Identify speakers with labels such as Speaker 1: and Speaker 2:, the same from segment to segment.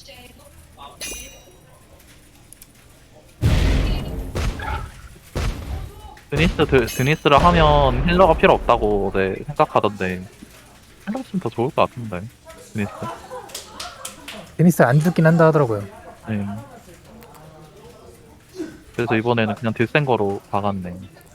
Speaker 1: 드니스를 하면 힐러가 필요 없다고 네, 생각하던데 힐러 있으면 더 좋을 것 같은데 드니스.
Speaker 2: 데니스 안 죽긴 한다 하더라고요.
Speaker 1: 네. 그래서 이번에는 그냥 딜센 거로 박았네.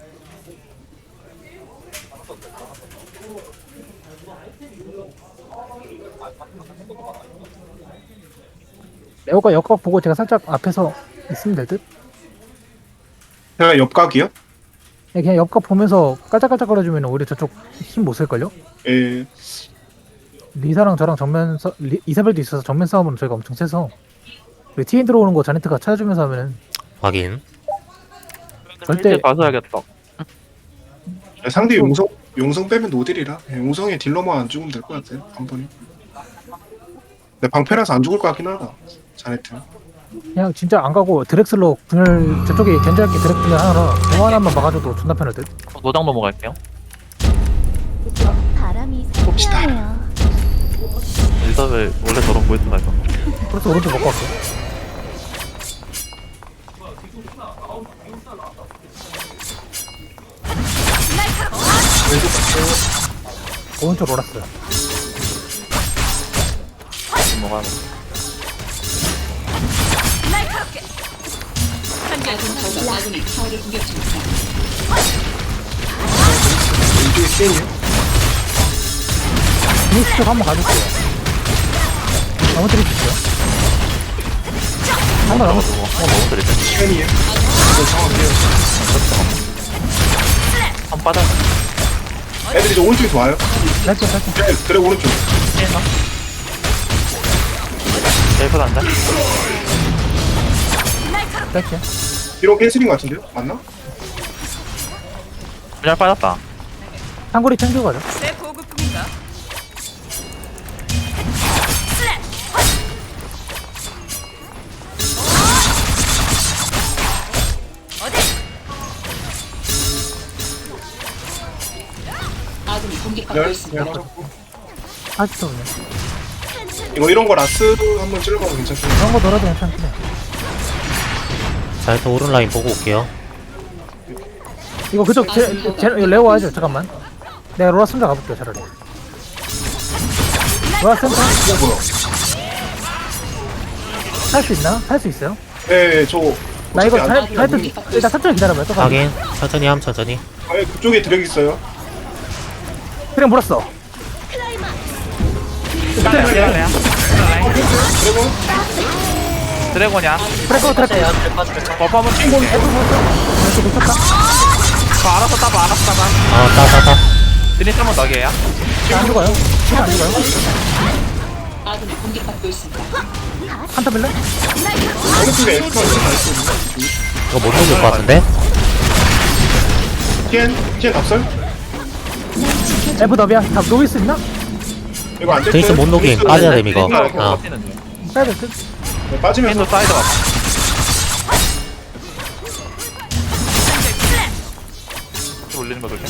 Speaker 2: 레오가 역각 보고 제가 살짝 앞에서 있으면 될 듯?
Speaker 3: 제가 옆각이요?
Speaker 2: 네, 그냥 옆각 보면서 깔짝깔짝거려주면 오히려 저쪽 힘 못 쓸걸요?
Speaker 3: 예.
Speaker 2: 리사랑 저랑 이사벨도 있어서 정면 싸움은 저희가 엄청 세서 TN 들어오는 거 자네트가 찾아주면서 하면은
Speaker 4: 확인.
Speaker 2: 절대-
Speaker 1: 이제 가셔야겠다.
Speaker 3: 상대 용성 빼면 노딜이라 용성에 딜러만 안 죽으면 될 것 같아요. 한 번에. 근데 방패라서 안 죽을 것 같긴 하다. 자네트.
Speaker 2: 그냥 진짜 안 가고 드렉슬로 분열 저쪽에 견제할게 드렉 분열 하나라 공 하나만 막아줘도 존나 편할 듯.
Speaker 1: 노장 넘어갈게요.
Speaker 5: 바람이
Speaker 3: 봅시다.
Speaker 5: 상쾌하네요.
Speaker 1: 이사벨 원래 저런 보이스가 있었나?
Speaker 2: 그래서 오른쪽 먹고 갈게. 오른쪽 올랐어요.
Speaker 1: 넘어가는.
Speaker 3: 왼쪽에 CN이요?
Speaker 2: 데니스 쪽 한번 가줄게요. 너무 드릴 수 있어요? 한번 넘어.
Speaker 1: 너무 드리네.
Speaker 3: CN이요? 이거 정확해요.
Speaker 1: 한 빠져.
Speaker 3: 애들이 저 오른쪽에서 와요.
Speaker 2: 살짝 살짝.
Speaker 3: 그래 오른쪽.
Speaker 1: 피했나? 셀프 간다.
Speaker 2: 살짝.
Speaker 3: 뒤로 캔슬인 것 같은데요? 맞나?
Speaker 1: 그냥 빠졌다.
Speaker 2: 한골이 챙겨 가죠.
Speaker 6: 내 보급품인가? 아군이 공격받고
Speaker 3: 열.
Speaker 6: 있습니다.
Speaker 2: 아직도 그냥.
Speaker 3: 이런 거 라스 한번 찔러봐도 괜찮겠네.
Speaker 2: 그런 거 넣어도 괜찮긴 해.
Speaker 4: 자, 일단 오른 라인 보고 올게요.
Speaker 2: 이거 그쪽 이거 레오 와야죠. 잠깐만. 내가 로라 순자 가볼게요. 차라리. 로라 센터 살 수 있나? 살 수 있어요?
Speaker 3: 네, 저
Speaker 2: 나 이거
Speaker 3: 어차피 안
Speaker 2: 자이트 일단 천천히 기다려봐요. 또 가.
Speaker 4: 확인. 천천히 함, 천천히.
Speaker 3: 그쪽에 드랙 있어요.
Speaker 2: 그냥 물었어.
Speaker 1: 드래곤이야.
Speaker 3: 그리고
Speaker 1: 드래곤이야.
Speaker 2: 트래커 트래커.
Speaker 1: 버프 한번 찍고.
Speaker 2: 이렇게 놓쳤다.
Speaker 1: 알아서 따봐.
Speaker 4: 따.
Speaker 1: 드니스 한번 더게요.
Speaker 2: 안 죽어요. 안 죽어요.
Speaker 6: 아군이 공격받고 있습니다.
Speaker 2: 한타 빌래?
Speaker 3: 오른쪽에 엑스가 있는 거 있거든요.
Speaker 4: 이거 못 녹일 것 같은데?
Speaker 3: TN 답설?
Speaker 2: 에브 더비야. 다 녹일 수 있나?
Speaker 3: 이거 안 됐어요.
Speaker 4: 데니스 못 녹임. 빠져야 됨, 이거. 어.
Speaker 2: 빼야 될 듯.
Speaker 3: 네, 빠지면서
Speaker 1: 캔도 사이드 맞 올리는 거 조심.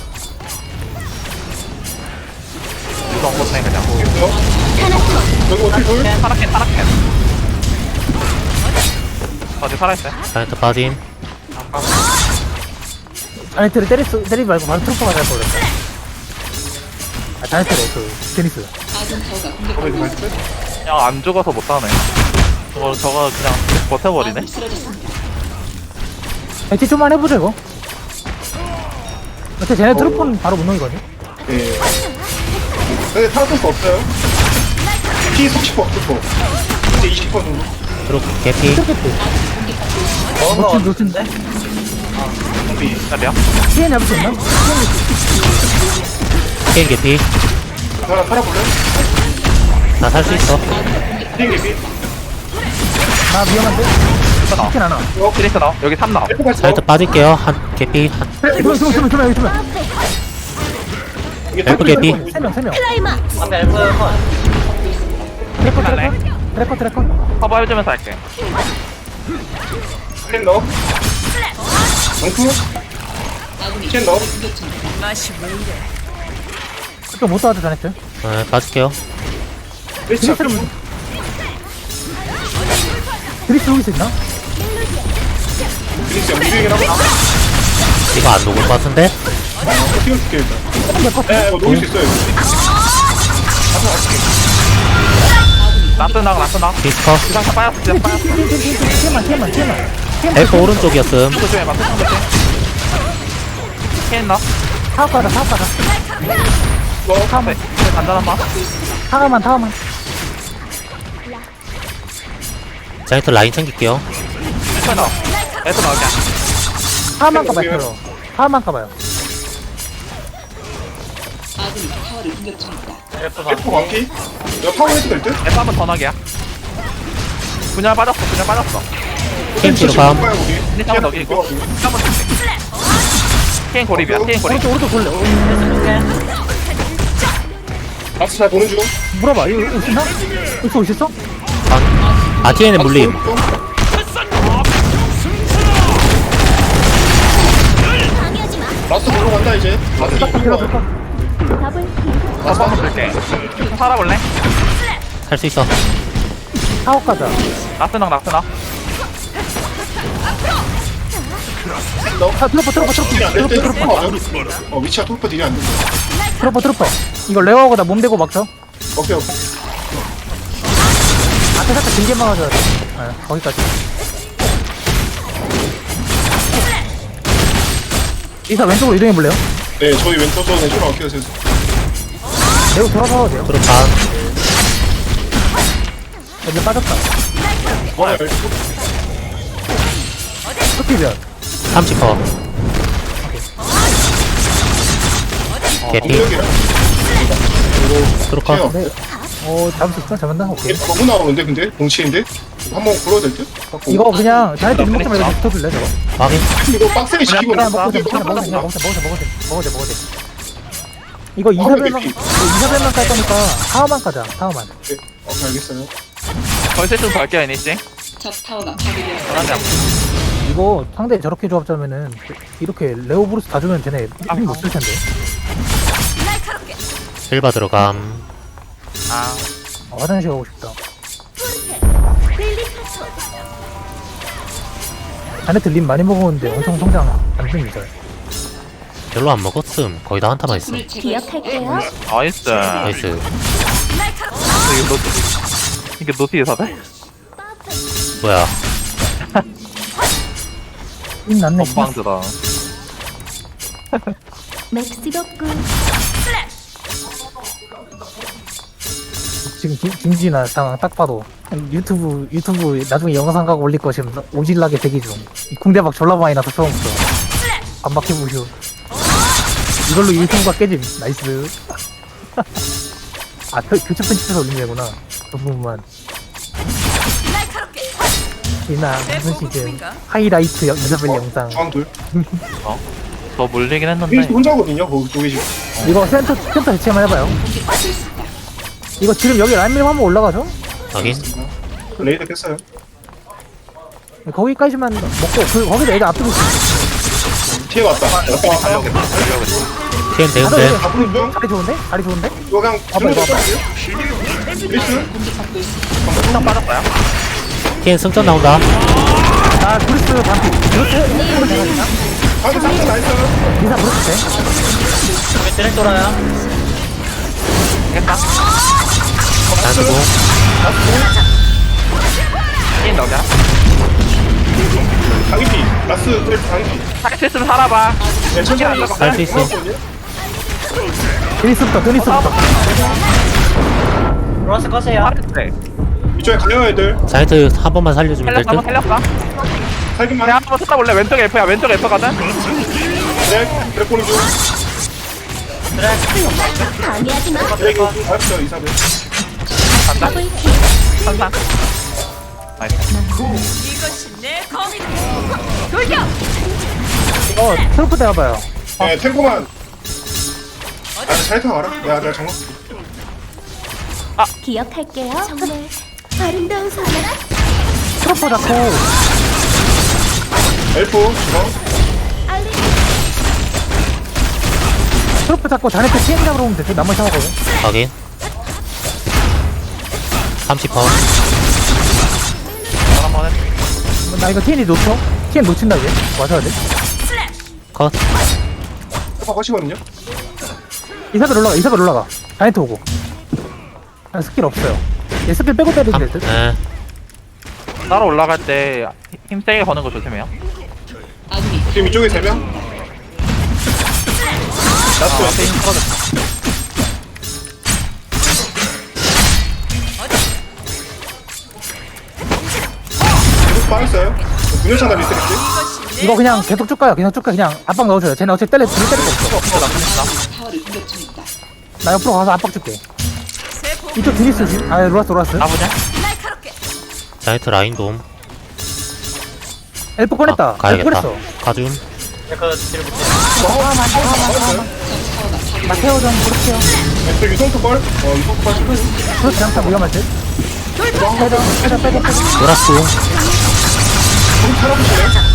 Speaker 1: 이거 안 못해 그냥.
Speaker 3: 여기 어떻게 돌?
Speaker 1: 타락해. 어디 살아있어요?
Speaker 4: 자이트 빠짐.
Speaker 2: 자네트를 때리지 말고 바로 트로퍼가 잘 걸렸어. 아, 자네트래, 데니스.
Speaker 6: 아군 타워가
Speaker 3: 거기
Speaker 6: 공격받고
Speaker 3: 있어요?
Speaker 1: 그냥 안 죽어서 못하네. 저거 그냥 버텨버리네.
Speaker 6: 아군이 쓰러졌습니다.
Speaker 2: 액티 좀만 해보자, 이거. 어차피 쟤네 트로퍼는 바로 못 녹이거든.
Speaker 3: 네. 근데 타락할 없어요. P 30% 이제 20% 정도.
Speaker 4: 트로프 개피.
Speaker 2: 트로퍼. 놓친데?
Speaker 1: 준비 잘해요.
Speaker 2: TN 잡을 수 있나?
Speaker 4: TN 개피.
Speaker 3: 하나 살아볼래?
Speaker 4: 나 살 수 있어.
Speaker 3: TN 개비.
Speaker 2: 나 위험한데? TN 하나.
Speaker 1: 드니스 나와. 여기 3 나와.
Speaker 3: F 갔어.
Speaker 4: 자이트 빠질게요. 한 개피.
Speaker 2: 두명 여기 두명.
Speaker 4: F 개피.
Speaker 2: 세 명.
Speaker 1: 할래?
Speaker 2: 트래커.
Speaker 1: 커버 해주면서 할게.
Speaker 3: TN 넣어. 엉프.
Speaker 6: 아군이
Speaker 3: TN 넣어.
Speaker 6: 공격 중입니다. 맛이 왜 이래?
Speaker 2: 못 도와줘, 자네트.
Speaker 4: 빠질게요.
Speaker 3: 일치
Speaker 2: 데니스는 드리스 여기 있나?
Speaker 3: 드리스 연기중이긴 하고
Speaker 4: 이거 안 녹을 것 같은데?
Speaker 3: 띄워줄게 일단
Speaker 2: 될것 같아.
Speaker 3: 네 이거 녹일 수 있어요
Speaker 1: 나스나
Speaker 4: 디스커.
Speaker 1: 기상 다 빠졌어 기상 빠졌어
Speaker 2: 티만.
Speaker 4: 엘프 오른쪽이었음.
Speaker 1: 조심해 맞상 조심 케인 나
Speaker 2: 타워 가자.
Speaker 1: 카페 간단한 마
Speaker 2: 타워만.
Speaker 4: 자이트 라인 챙길게요.
Speaker 1: 에서 나와 에서 나올게
Speaker 2: 타워만 가봐요. 타워만 가봐요.
Speaker 6: 아군이 타워를 공격 중입니다.
Speaker 1: 에서 나
Speaker 3: F 광기 이거 파워 해도 될 듯?
Speaker 1: 에서 한번 더 나게야 분열 빠졌어
Speaker 4: TNT로 감.
Speaker 1: 근데 한번 넘기고 한번 케인 고립이야 케인 고립
Speaker 2: 오른쪽 돌려.
Speaker 3: 박스 잘 보는 중
Speaker 2: 물어봐. 이거 있나? 올 수 있어?
Speaker 4: 아, TN의 물림.
Speaker 3: 라스트 보러 간다 이제 라스트 보러
Speaker 1: 다시 한번 줄게 좀 살아볼래?
Speaker 4: 할 수 있어.
Speaker 2: 타워 가자.
Speaker 1: 나스나
Speaker 3: 딜이 안될 때 트루퍼 맞아 위치가 트루퍼 딜이 안돼
Speaker 2: 트로퍼. 이거 레어하고다 몸 대고 막죠.
Speaker 3: 오케이
Speaker 2: 앞에 살짝 길게 막아줘야 돼. 네, 거기까지. 이사 왼쪽으로 이동해볼래요?
Speaker 3: 네 저희 왼쪽 저 왼쪽으로 갈게요 셋
Speaker 2: 레오 돌아서도 돼요.
Speaker 4: 트로 반.
Speaker 2: 이제 빠졌다.
Speaker 3: 와
Speaker 2: 스피변.
Speaker 4: 30퍼. 개피.
Speaker 3: 공격이라
Speaker 4: 트로 컷.
Speaker 3: 케어
Speaker 2: 네. 잡을 수 있어? 잡았나? 오케이.
Speaker 3: 너무 나오는데 근데 공치인데 한번 불러야 될 듯?
Speaker 2: 이거 그냥 자이트 눈먹지 말고 붙어줄래 저거?
Speaker 4: 확인.
Speaker 3: 이거 빡세게 시키고
Speaker 2: 그냥
Speaker 3: 있어.
Speaker 2: 먹어도 돼. 이거 이사벨만 깔 거니까 타워만 까자. 타워만.
Speaker 3: 네, 오케이 알겠어요
Speaker 1: 벌써 좀 갈게요 애니씨
Speaker 6: 적 타워가 파괴되었습니다.
Speaker 1: 편하지 않고
Speaker 2: 이거 상대 저렇게 조합 짜면은 이렇게 레오 브루스 다 주면 쟤네 힘 못 쓸 텐데.
Speaker 4: 실바 들어감.
Speaker 1: 아
Speaker 2: 화장실 가고 싶다. 자네트 림 많이 먹었는데 엄청 성장 안 됩니다.
Speaker 4: 별로 안 먹었음. 거의 다 한타만 있어.
Speaker 6: 적군을 제거했습니다.
Speaker 1: 나이스
Speaker 4: 나이스.
Speaker 1: 이게 노티에 사대?
Speaker 4: 뭐야.
Speaker 2: 힘 났네.
Speaker 1: 건방지다
Speaker 2: 지금 김진아 상황 딱 봐도 유튜브 나중에 영상 가고 올릴 거 지금 오질나게 대기 중. 이 궁대박 졸라 많이 나서 처음부터 반박해 보시오. 이걸로 유튜브가 깨짐. 나이스. 아 교체 편집해서 올린 거구나. 그 부분만. 진아 무슨 시즌 하이라이트 이사벨 영상.
Speaker 3: 중앙 둘
Speaker 1: 더 물리긴
Speaker 3: 페이스
Speaker 1: 했는데
Speaker 3: 혼자거든요 거기 쪽에 지금
Speaker 2: 이거 센터 대체만 해봐요. 이거 지금 여기 라인 밀면 한번 올라가죠?
Speaker 4: 확인.
Speaker 3: 레이더 깼어요
Speaker 2: 거기까지만 먹고 거기다 애들 앞두고 있어.
Speaker 3: 뒤에 왔다
Speaker 1: 달려오겠다
Speaker 4: TN 대응돼.
Speaker 3: 앞으로 중
Speaker 2: 자리 좋은데? 자리 좋은데?
Speaker 3: 이거 그냥
Speaker 2: 봐봐, 이거 봐봐.
Speaker 3: 페이스
Speaker 1: 한장 빠졌어요
Speaker 4: TN 승전 나온다.
Speaker 2: 나 브루스 반피. 브루스 대가지나?
Speaker 3: 방금 상태 나이스
Speaker 2: 리사 브루스 돼?
Speaker 4: 트랙 돌아야.
Speaker 1: 되겠다
Speaker 4: 나주고.
Speaker 1: 케인 넣자
Speaker 3: 강기피 라스 트래프 강기피
Speaker 1: 사기치스는 살아봐
Speaker 3: 네 천천히
Speaker 4: 할 수 있어.
Speaker 2: 드니스부터.
Speaker 1: 로라스 꺼세요
Speaker 3: 이쪽에 가요 애들
Speaker 4: 자이트 한 번만 살려주면 될
Speaker 1: 살렸어
Speaker 4: 듯.
Speaker 1: 한번 살렸어
Speaker 3: 살기만
Speaker 1: 내가 한번 찾아볼래 왼쪽 F야 왼쪽 F거든
Speaker 3: 네 그래 보는 중 드래기 알았어 이사벨
Speaker 1: 간다 선상 나이스
Speaker 2: 트로프 대봐요.
Speaker 3: 네 탱고만 잘 타와라 내가 정말
Speaker 5: 기억할게요. 정말 아름다운 사람.
Speaker 2: 트로프 잡고
Speaker 3: 엘프 중앙
Speaker 2: 트로프 잡고 자네트 TN 잡으러 오면 돼. 나머지 상하거든.
Speaker 4: 확인. 30퍼.
Speaker 1: 한번 해
Speaker 2: 나 이거 TN이 놓쳐? TN 놓친다 이제 맞아야 돼.
Speaker 4: 컷.
Speaker 3: 해봐 하시거든요.
Speaker 2: 이사벨 올라가. 다이트 오고. 아, 스킬 없어요. 얘 스킬 빼고 때리면 될 듯.
Speaker 4: 네.
Speaker 1: 따로 올라갈 때 힘 세게 거는 거 조심해요.
Speaker 6: 아군이
Speaker 3: 지금 이쪽에 3명. 나스
Speaker 1: 앞에 힘 떨어졌다.
Speaker 3: 계속 빠졌어요. 분열창 다 리셋했지.
Speaker 2: 이거 그냥 계속 쭉 가요. 그냥 압박 넣어줘요. 쟤네 어차피 때릴 거 없어.
Speaker 6: 타워를 공격 중입니다.
Speaker 2: 나 옆으로 가서 압박 줄게. 이쪽 드니스지? 아, 로라스.
Speaker 1: 나보냐?
Speaker 4: 자이트 라인 돔.
Speaker 2: 엘프 꺼냈다. 엘프
Speaker 4: 가야겠다.
Speaker 2: 꺼냈어.
Speaker 4: 가줌.
Speaker 2: 나 태워 좀 그렇게요.
Speaker 3: 저 유성투 걸. 유성투 빠지고.
Speaker 2: 그렇지 않다 위험할 듯. 빼자.
Speaker 4: 노라스.
Speaker 3: 좀 살아보실래요?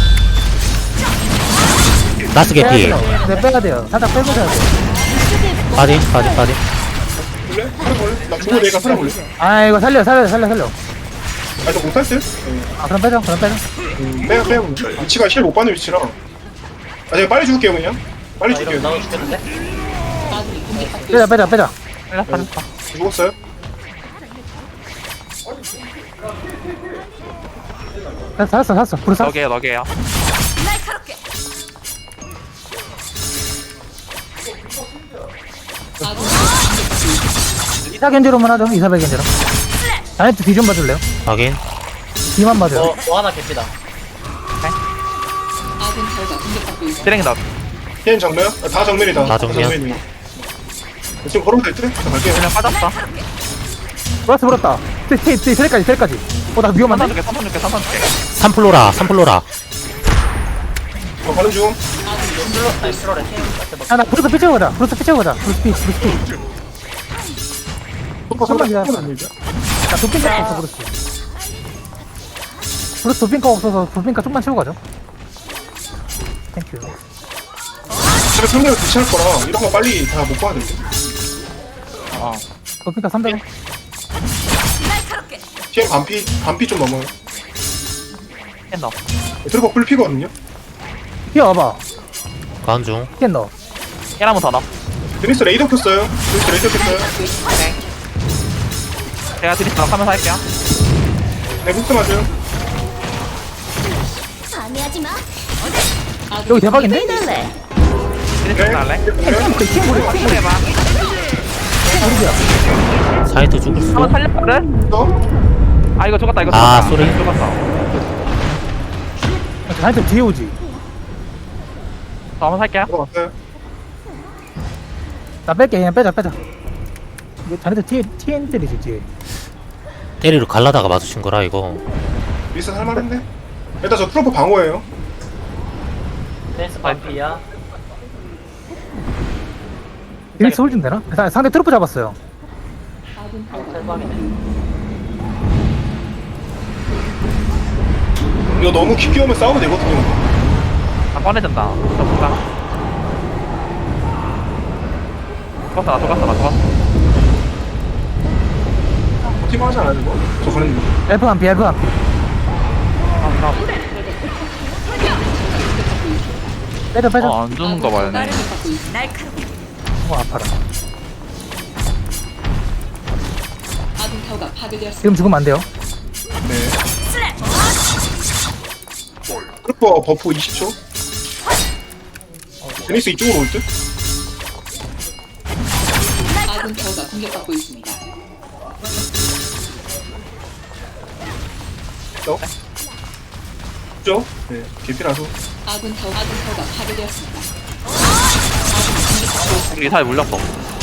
Speaker 4: 라스
Speaker 2: 빼야
Speaker 4: 개피.
Speaker 2: 돼요. 네, 빼야 돼요. 살짝 빼고 자야 돼.
Speaker 4: 빠진.
Speaker 3: 볼래? 살아볼래? 나 죽어 내가 살아볼래?
Speaker 2: 아, 이거 살려.
Speaker 3: 아, 저 못할 듯?
Speaker 2: 아, 그럼 빼자.
Speaker 3: 빼야 위치가 실 못 받는 위치라. 아, 제가 빨리 죽을게요, 그냥. 빨리 죽을게요.
Speaker 6: 아군이 공격받고 있습니다.
Speaker 2: 빼자.
Speaker 1: 빨랐다.
Speaker 3: 죽었어요?
Speaker 2: 살았어. 불사.
Speaker 1: 너게요.
Speaker 6: 아군이
Speaker 2: 이사 견제로만 하죠. 이사벨 견제로. 다이트 뒤 좀 봐줄래요?
Speaker 4: 확인.
Speaker 2: 뒤만 봐줘요.
Speaker 6: 아군 타워가 공격받고 있습니다.
Speaker 1: 쓰레기 나.
Speaker 3: 걔는 정면? 아, 다 정면이다.
Speaker 4: 다 정면.
Speaker 3: 정면이네. 지금 걸어도 될 듯? 저 갈게요.
Speaker 1: 그냥 빠졌다.
Speaker 2: 로라스 불었다. 텔까지. 나 위험한데?
Speaker 1: 3번 줄게.
Speaker 4: 3플로라.
Speaker 3: 가는 중.
Speaker 2: 아, 나 브루스 피치고 가자. 브루스 피. 잠깐만 기다려. 나 도핑카가 없어, 브루스 도핑카가 없어서 도핑카 좀만 채우고 가죠. 땡큐.
Speaker 3: 제가 상대가 귀찮을 거라 이런 거 빨리 다 못 봐야 돼.
Speaker 2: 도핑카 300원.
Speaker 3: TM 반피 좀 넘어요.
Speaker 1: 캔
Speaker 3: 트루버 뿔피거든요.
Speaker 2: 뛰어와봐.
Speaker 4: 가운 중.
Speaker 2: 캔 넣어.
Speaker 1: 한번 더 넣어.
Speaker 3: 드니스 레이더 켰어요.
Speaker 1: 제가 드리스 하면서 할게요.
Speaker 3: 네, 훅스 맞아요.
Speaker 5: 방해하지 마.
Speaker 2: 여기 대박인데?
Speaker 5: 빼달래.
Speaker 1: 드리스 할래?
Speaker 2: 팀
Speaker 1: 해봐.
Speaker 4: 사이트 죽을 수도.
Speaker 1: 한번 살렸거든?
Speaker 3: 또?
Speaker 1: 아, 이거 죽었다.
Speaker 4: 아, 쏘리.
Speaker 1: 죽었어.
Speaker 2: 다이트 뒤에 오지.
Speaker 1: 저 한번 살게요.
Speaker 3: 들어갔어요.
Speaker 2: 나 뺄게. 그냥 빼자. 이거 자네들 TN들이지, 뒤에.
Speaker 4: 때리러 갈라다가 마주친 거라 이거.
Speaker 3: 미스 할만한데? 일단 저 트루버 방어예요.
Speaker 2: 드니스 홀좀 되나? 상대 트루프 잡았어요.
Speaker 6: 아군 타워가
Speaker 3: 이거 너무 깊게 오면 싸우면 되거든요.
Speaker 1: 아, 꺼내준다. 저볼까? 죽었어.
Speaker 3: 팀 하지 않아요, 이거? 저 가는 중.
Speaker 2: 엘프 한 피.
Speaker 1: 아,
Speaker 2: 빼자.
Speaker 1: 안 주는 거 봐요.
Speaker 6: 공격받고 있습니다.
Speaker 2: 아파라.
Speaker 6: 아군 타워가 파괴되었습니다.
Speaker 2: 지금 죽으면 안 돼요.
Speaker 3: 네. 트루버 버프 20초. 드니스 이쪽으로 올 듯?
Speaker 6: 아군 타워가 공격받고 있습니다.
Speaker 3: 그죠? 네, 개피라서.
Speaker 6: 아군 타워가 파괴되었습니다.
Speaker 1: 우리 사이 물렸어.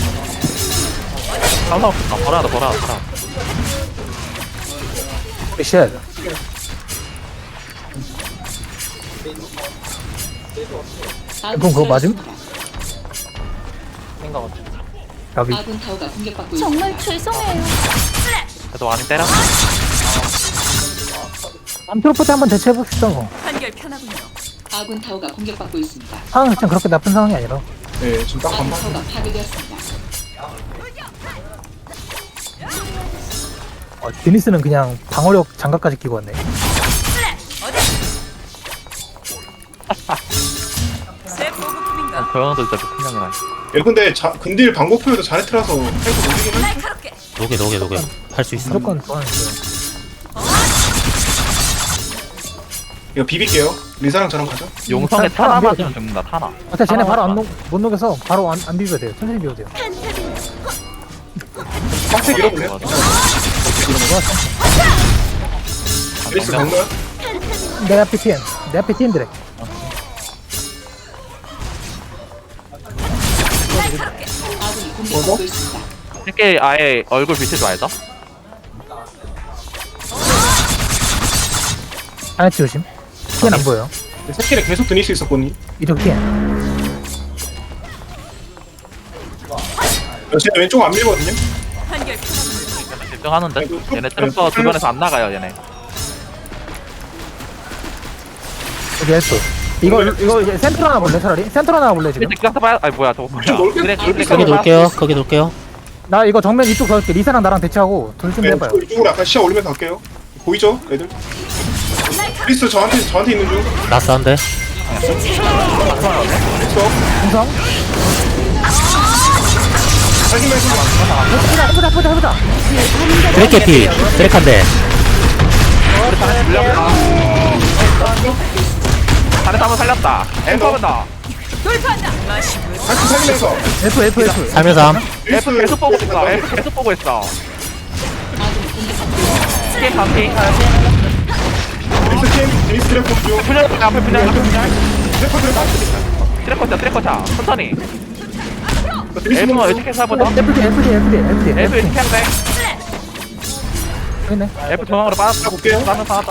Speaker 1: 상관없다. 버려라.
Speaker 2: 쉣. 그럼 그거 맞음? 가비.
Speaker 6: 아군 타워가 공격받고 있습니다.
Speaker 5: 정말 죄송해요.
Speaker 1: 그래도 많이 때려.
Speaker 2: 암트로포트 한번 대체해봅시다.
Speaker 6: 아군 타워가 공격받고 있습니다.
Speaker 2: 상황이 좀 그렇게 나쁜 상황이 아니라.
Speaker 3: 네, 지금 딱
Speaker 6: 아군
Speaker 3: 반반.
Speaker 6: 타워가 파괴되었습니다.
Speaker 2: 데니스는 그냥 방어력 장갑까지 끼고 왔네.
Speaker 1: 저 형도 진짜 미친형이라.
Speaker 3: 야 근데 근딜 방법표에도 자네트라서 탱크 못이긴 해.
Speaker 4: 녹여 할 수 있어.
Speaker 2: 무조건 좋아하는데.
Speaker 3: 이거 비빌게요. 리사랑 저랑 가죠.
Speaker 1: 용성에
Speaker 2: 타-
Speaker 1: 타나
Speaker 2: 타나
Speaker 1: 맞으면 죽는다, 타나.
Speaker 2: 어차피 쟤네 바로
Speaker 1: 타나
Speaker 2: 못 녹여서 바로 안 비벼도 돼요. 천천히 비벼도 돼요.
Speaker 3: 빡세 밀어볼래?
Speaker 1: 맞아.
Speaker 3: 에이스 강로야?
Speaker 2: 내 앞에 TN. 내 앞에 TN들에.
Speaker 6: 아군이 공격받고 있습니다.
Speaker 1: 이렇게 아예 얼굴 비치지 말자.
Speaker 2: 하나치 조심. TN 안 보여요.
Speaker 3: 새끼를 계속 드닐 수 있었거니.
Speaker 2: 이쪽 TN.
Speaker 3: 제 왼쪽 안 밀거든요.
Speaker 1: 집중하는데?
Speaker 3: 아이고,
Speaker 1: 얘네 트럼프 주변에서 안 나가요, 얘네.
Speaker 2: 여기 F. 이거 이제 센트로 하나 볼래 차라리? 센트로 하나 볼래 지금?
Speaker 1: 일찍 가서 봐야, 아니 뭐야, 저거 뭐야.
Speaker 3: 좀 넓게-
Speaker 1: 그래,
Speaker 3: 넓게
Speaker 1: 그래,
Speaker 4: 거기
Speaker 1: 그래,
Speaker 4: 놓을게요. 거기 놓을게요.
Speaker 2: 나 이거 정면 이쪽 가볼게. 리사랑 나랑 대치하고 돌 좀
Speaker 3: 네,
Speaker 2: 해봐요.
Speaker 3: 이쪽으로 약간 시야 올리면서 갈게요. 보이죠, 애들? 크리스 저한테 있는 중.
Speaker 4: 나스한데.
Speaker 3: 있어.
Speaker 2: 공성.
Speaker 3: 살기만 해서
Speaker 2: 해보자.
Speaker 4: 드래캐 피. 드래칸데.
Speaker 1: 다른 사람 살렸다. 앵커본다.
Speaker 3: 같이 살리면서.
Speaker 2: F.
Speaker 4: 살면서 함.
Speaker 1: F 계속 보고 있어. F 계속 보고 있어. 게임 반피.
Speaker 3: 크리스 트래프 중.
Speaker 1: 분열, 앞에 분열.
Speaker 3: 트래퍼.
Speaker 1: 트래커차. 천천히.
Speaker 3: 크리스
Speaker 1: F
Speaker 3: 중.
Speaker 1: 어떻게 해서보자.
Speaker 2: FD.
Speaker 1: F 이렇게 하면 돼.
Speaker 2: 있네.
Speaker 1: F 중앙으로 빠졌다.
Speaker 3: 볼게요.
Speaker 1: 빠졌다, 빠졌다.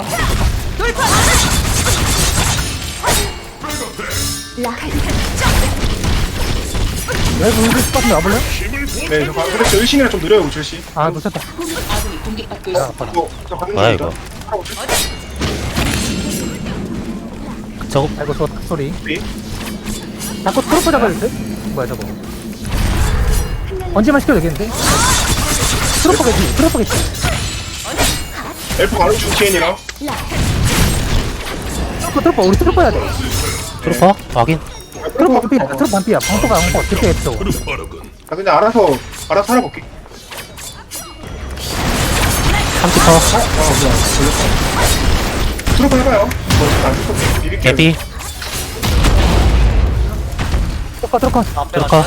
Speaker 2: F 우리 스팟 와볼래?
Speaker 3: 네, 저 근데 저 일신이랑 좀 느려요, 우철씨.
Speaker 2: 아 놓쳤다.
Speaker 6: 아군이 공격받고 있습니다.
Speaker 3: 저 가는
Speaker 4: 뭐야,
Speaker 3: 중이다.
Speaker 4: 이거.
Speaker 3: 하나 우철씨.
Speaker 4: 저거
Speaker 2: 아이고 저 소리.
Speaker 3: 네.
Speaker 2: 자꾸 트로프 잡아야 돼? 뭐야 저거? 언제만 시켜도 되겠는데? 트로프겠지.
Speaker 3: 엘프 가는 중 TN이랑.
Speaker 2: 트로프 우리 트로프 해야 돼.
Speaker 4: 트루퍼 확인.
Speaker 2: 트로프 반피야. 트로프 반피야. 방토가 방토. 그렇게 했어.
Speaker 3: 아 그냥 알아서 살아볼게.
Speaker 4: 30퍼.
Speaker 3: 트로프 해봐요. 뭐안 트로프 비비게.
Speaker 4: 개피.
Speaker 2: 트로커.
Speaker 4: 트루커.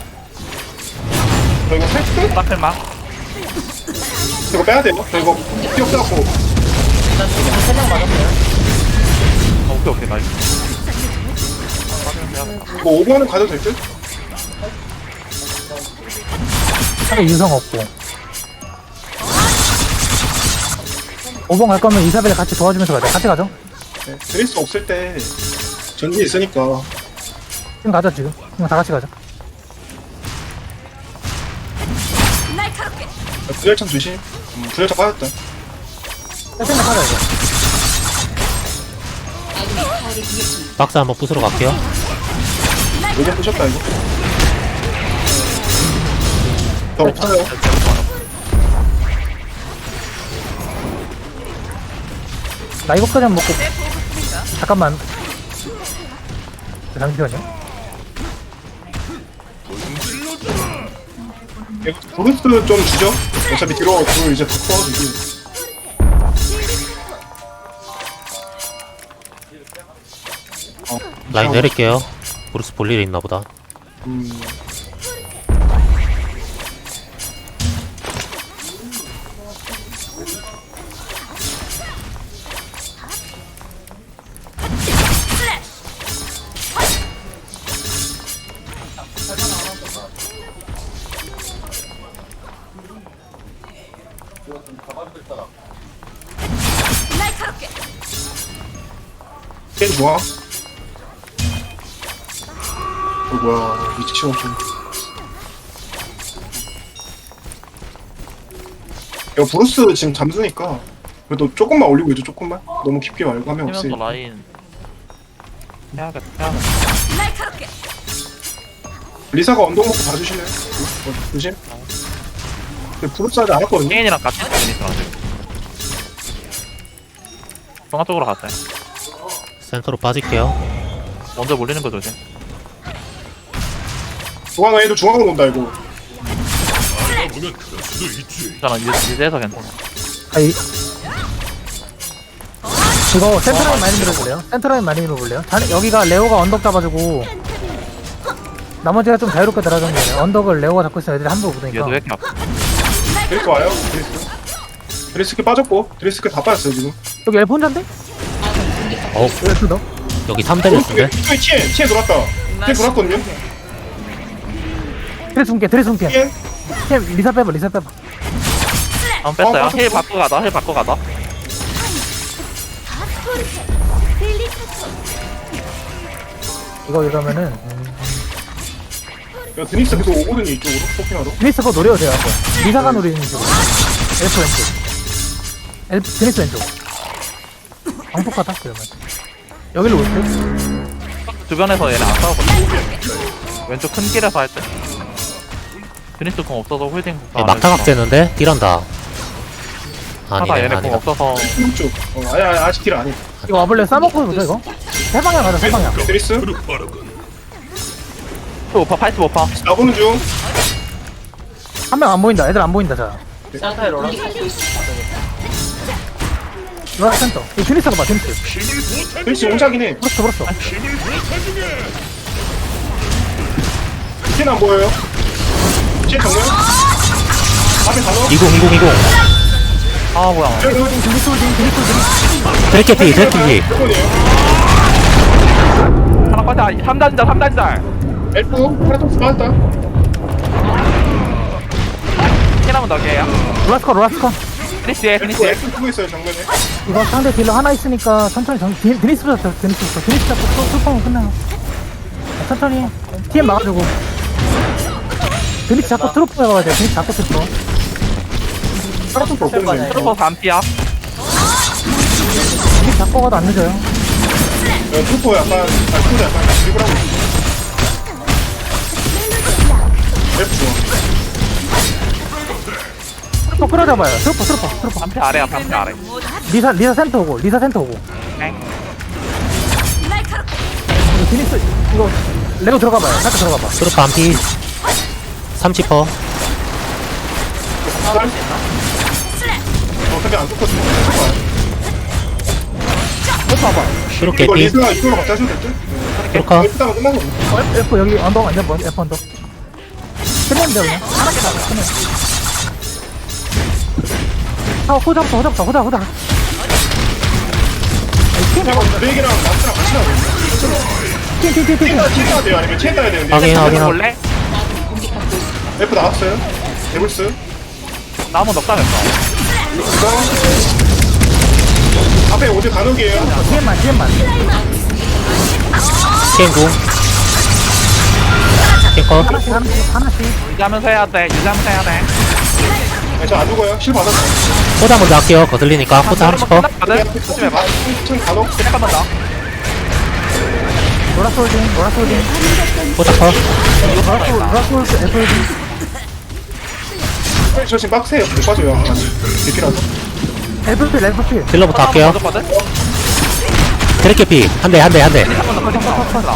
Speaker 3: 저 이거 살짝
Speaker 1: 딱필마.
Speaker 3: 이거 빼야 돼요. 저 이거 피어 써갖고
Speaker 1: 오케이, 나이스.
Speaker 3: 이거 오버는 가도 될 듯?
Speaker 2: 차라리 유성 없고. 5번 갈 거면 이사벨 같이 도와주면서 가자. 같이 가죠.
Speaker 3: 네, 드레스 없을 때 전지 있으니까.
Speaker 2: 지금 가자 지금. 그냥 다 같이 가자.
Speaker 3: 분열창 조심. 분열창 빠졌다.
Speaker 2: 생각하자 이거.
Speaker 6: 아군이 타워를 공격 중.
Speaker 4: 박스 한번 부수러 갈게요.
Speaker 3: 오버 부셨다 이거. 저 없어요.
Speaker 2: 나 이거까지 한번 먹고. 잠깐만. 잠시만요.
Speaker 3: 이거 브루스 좀 주죠. 어차피 뒤로 이제 다 커가지고.
Speaker 4: 라인 내릴게요. 브루스 볼 일이 있나 보다.
Speaker 3: 게임 좋아. 뭐야 미치겠어. 이거 브루스 지금 잠수니까 그래도 조금만 올리고 있죠. 조금만. 너무 깊게 말고 하면
Speaker 1: 하면서
Speaker 3: 없으니까.
Speaker 1: 라인. 해야겠다.
Speaker 3: 리사가 언덕 먹고 봐주실래요? 조심. 근데 브루스 아직 안 왔거든요.
Speaker 1: 케인이랑 같이 있으니까 지금. 중앙 쪽으로 갔어요.
Speaker 4: 센터로 빠질게요.
Speaker 1: 먼저 몰리는 거 조심.
Speaker 3: 중앙에 중앙으로 온다 이거.
Speaker 1: 괜찮아 이제서 괜찮아.
Speaker 2: 아이 이거 센터라인 많이 밀어볼래요? 센터라인 많이 밀어볼래요? 여기가 레오가 언덕 잡아주고 나머지가 좀 자유롭게 들어가는 거예요. 언덕을 레오가 잡고 있으면 애들이 함부로
Speaker 1: 얘도
Speaker 2: 붙으니까
Speaker 1: 왜 이렇게 아파?
Speaker 3: 드레스 와요. 드레스키 빠졌고 드레스키 다 빠졌어요 지금.
Speaker 2: 여기 엘프 혼잔데?
Speaker 4: 어
Speaker 2: 엘프 너?
Speaker 4: 여기 3데미스인데?
Speaker 3: 치에 돌았다. 치에 돌았거든요.
Speaker 2: 드레스 숨게 드레스 숨게
Speaker 3: 치에
Speaker 2: 리사 빼봐 리사 빼봐
Speaker 1: 한번 뺐어요.
Speaker 3: 빠졌어.
Speaker 1: 힐 바꿔 가다 힐 바꿔 가다.
Speaker 2: 이거 이러면은
Speaker 3: 야 드니스 계속 오거든요 이쪽으로 포킹하러.
Speaker 2: 드레스 거 노려도 돼요 한번 리사가 노리는 쪽으로 엘프 왼쪽 엘프 드레스 왼쪽 방폭하다 그러면 여기로 올게
Speaker 1: 주변에서 얘네 안 싸우거든. 왼쪽 큰 길에서 할 때. 드니스 공 없어서 홀딩.
Speaker 4: 얘 막타각 째는데? 딜한다.
Speaker 1: 하다
Speaker 4: 아니네
Speaker 1: 얘네 공
Speaker 4: 아니다.
Speaker 1: 없어서
Speaker 3: 오른쪽. 아직 딜 아니.
Speaker 2: 이거 와볼래 싸먹고 보자 이거 세 방향 가자 세 방향
Speaker 3: 드니스
Speaker 1: 또 85%.
Speaker 3: 나보는 중.
Speaker 2: 한 명 안 보인다 애들 안 보인다 자
Speaker 6: 공격받고 있습니다.
Speaker 2: 로라 센터 이 드니스가 봐 드니스
Speaker 3: 드니스 용작이네.
Speaker 2: 그렇어 그렇어
Speaker 3: 치는 안 보여요. 치에 정면. 앞에 단어.
Speaker 4: 20
Speaker 1: 아 뭐야.
Speaker 2: 드니스 홀딩 드니스 홀딩 드니스 홀딩
Speaker 4: 드래키피 드래키피
Speaker 1: 하나 빠져. 3단자 3단자.
Speaker 3: 엘프 파라톡스 빠졌다.
Speaker 1: 힐 한번 더 게요.
Speaker 2: 로라스커 로라스커
Speaker 1: 드니스에
Speaker 3: 엘프
Speaker 1: 드니스에.
Speaker 3: 엘프 쓰고 있어요 정면에.
Speaker 2: 이거 상대 딜러 하나 있으니까 천천히 드니스부터 잡자 드니스부터 드니스 잡고 풀파면 끝나요 천천히 TM 막아주고 드니스 잡고 트로프 해봐야 돼 드니스 잡고 트로프
Speaker 3: 파라톡스 없거든요.
Speaker 1: 트루퍼 반피야.
Speaker 2: 드니스 잡고 가도 안 늦어요
Speaker 3: 트루퍼 약간 트루퍼 약간 드리블 하고 있어. 엘프 좋아.
Speaker 2: 트로프 끌어잡아요 트로프
Speaker 1: 반피 아래야 반피 아래.
Speaker 2: 리사 센터 오고 리사 센터 오고
Speaker 1: 엥.
Speaker 2: 이거 드니스 이거 레고 들어가봐요 살짝 들어가봐
Speaker 4: 트루프 한피 30퍼
Speaker 3: 어차피 안 떴거든요.
Speaker 4: 트루프
Speaker 3: 이거
Speaker 4: 개피
Speaker 3: 리스가 이쪽으로 갖다 줘도 될 듯?
Speaker 4: 트루커
Speaker 3: 엘프 따면 끝나거든요.
Speaker 2: F 여기 언덕 완전 먼 F 언덕 끝내면 돼 그냥 하나씩 나가 끝내 호잡다
Speaker 3: 잠깐 브레이크랑 마스랑 같이 나거든요.
Speaker 2: 팀
Speaker 3: 치해야 돼요? 아니면 치해 따야 되는데?
Speaker 4: 확인.
Speaker 1: 볼래?
Speaker 3: 엘프 나왔어요. 데블스.
Speaker 1: 나 한번 넉다면서.
Speaker 3: 이거 앞에 어디 간혹이에요.
Speaker 2: TM만
Speaker 4: TM궁 탱커
Speaker 2: 하나씩
Speaker 1: 유지하면서 해야 돼. 유지하면서 해야 돼.
Speaker 3: 저안 죽어요. 실 받았어요.
Speaker 4: 포자 먼저 할게요 거슬리니까 포자 30퍼
Speaker 1: 끝났거든? 조심해봐.
Speaker 3: 천 간혹.
Speaker 1: 힐 한번 더.
Speaker 2: 로라스 홀딩
Speaker 4: 포자 컷
Speaker 2: 로라스 홀딩 F 홀딩
Speaker 3: 저 지금 빡세요. 못 빠져요. 아직. 대피라서.
Speaker 2: F
Speaker 4: 딜러부터 할게요
Speaker 1: 맞았거든?
Speaker 4: 드래키피 한대
Speaker 1: 한번 더.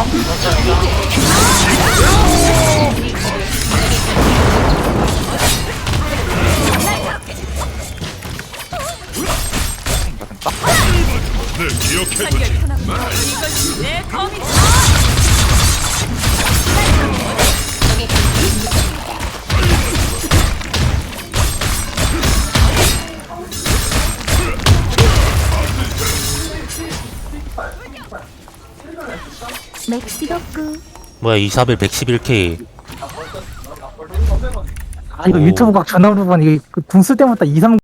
Speaker 5: 맥시덕구
Speaker 4: 뭐야 이사벨 111K
Speaker 2: 아 이거 유튜브 각 전화 부분 이게 궁쓸 때마다 2, 3